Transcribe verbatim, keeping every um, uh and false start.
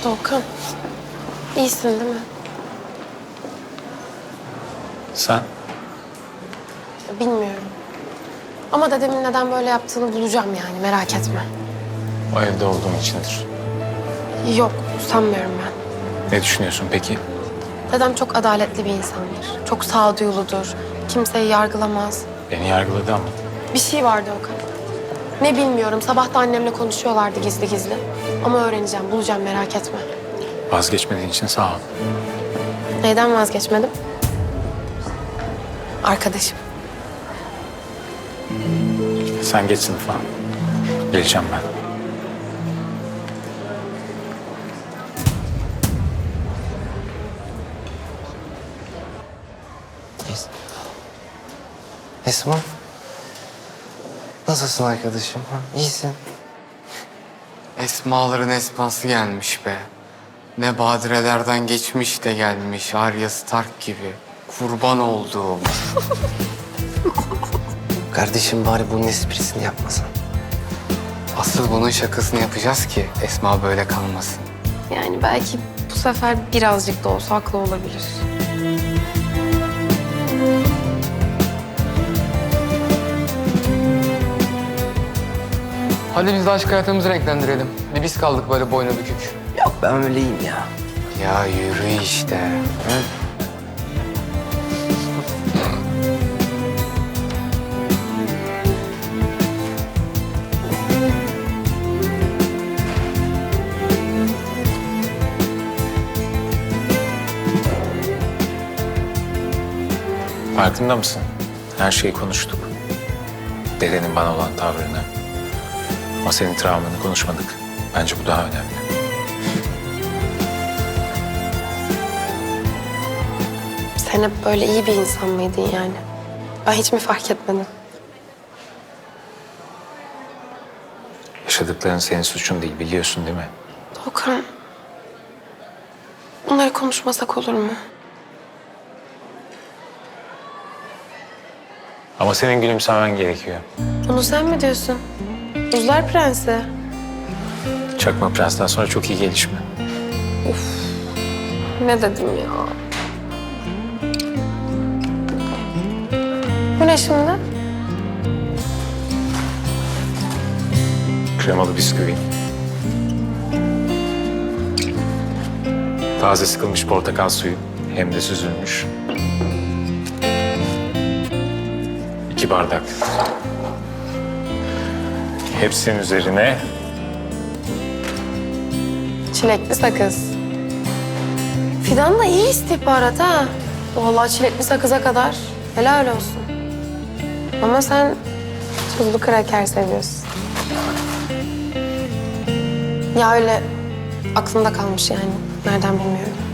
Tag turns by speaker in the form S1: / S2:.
S1: Doğukan, iyisin değil mi?
S2: Sen?
S1: Bilmiyorum. Ama dedemin neden böyle yaptığını bulacağım yani, merak etme.
S2: O evde olduğum içindir.
S1: Yok, sanmıyorum ben.
S2: Ne düşünüyorsun peki?
S1: Dedem çok adaletli bir insandır. Çok sağduyuludur. Kimseyi yargılamaz.
S2: Beni yargıladı ama.
S1: Bir şey vardı Okan. Ne bilmiyorum. Sabah da annemle konuşuyorlardı gizli gizli. Ama öğreneceğim, bulacağım, merak etme.
S2: Vazgeçmediğin için sağ ol.
S1: Neyden vazgeçmedim? Arkadaşım.
S2: Sen geç sınıfa. Geleceğim ben.
S3: Esma. Nasılsın arkadaşım? Ha? İyisin.
S4: Esmaların esması gelmiş be. Ne badirelerden geçmiş de gelmiş Arya Stark gibi. Kurban olduğum.
S3: Kardeşim bari bunun esprisini yapmasan.
S4: Asıl bunun şakasını yapacağız ki Esma böyle kalmasın.
S1: Yani belki bu sefer birazcık da olsa haklı olabilir.
S4: Hadi biz de aşk hayatımızı renklendirelim. Bir biz kaldık böyle boynu bükük.
S3: Yok ben öyleyim ya.
S4: Ya yürü işte.
S3: Ha?
S2: Farkında mısın? Her şeyi konuştuk. Dedenin bana olan tavrını. Ama senin travmanı konuşmadık. Bence bu daha önemli.
S1: Sen hep böyle iyi bir insan mıydın yani? Ben hiç mi fark etmedim?
S2: Yaşadıkların senin suçun değil, biliyorsun değil mi?
S1: Doğukan, bunları konuşmasak olur mu?
S2: Ama senin gülümsemen gerekiyor.
S1: Bunu sen mi diyorsun? Buzlar Prensi.
S2: Çakma Prens'ten sonra çok iyi gelişme.
S1: Ne dedim ya? Bu ne şimdi?
S2: Kremalı bisküvi. Taze sıkılmış portakal suyu. Hem de süzülmüş. İki bardak. Hepsinin üzerine
S1: Çilekli sakız. Fidan da iyi istihbarat ha. Vallahi çilekli sakıza kadar helal olsun. Ama sen tuzlu kraker seviyorsun. Ya öyle aklımda kalmış yani. Nereden bilmiyorum.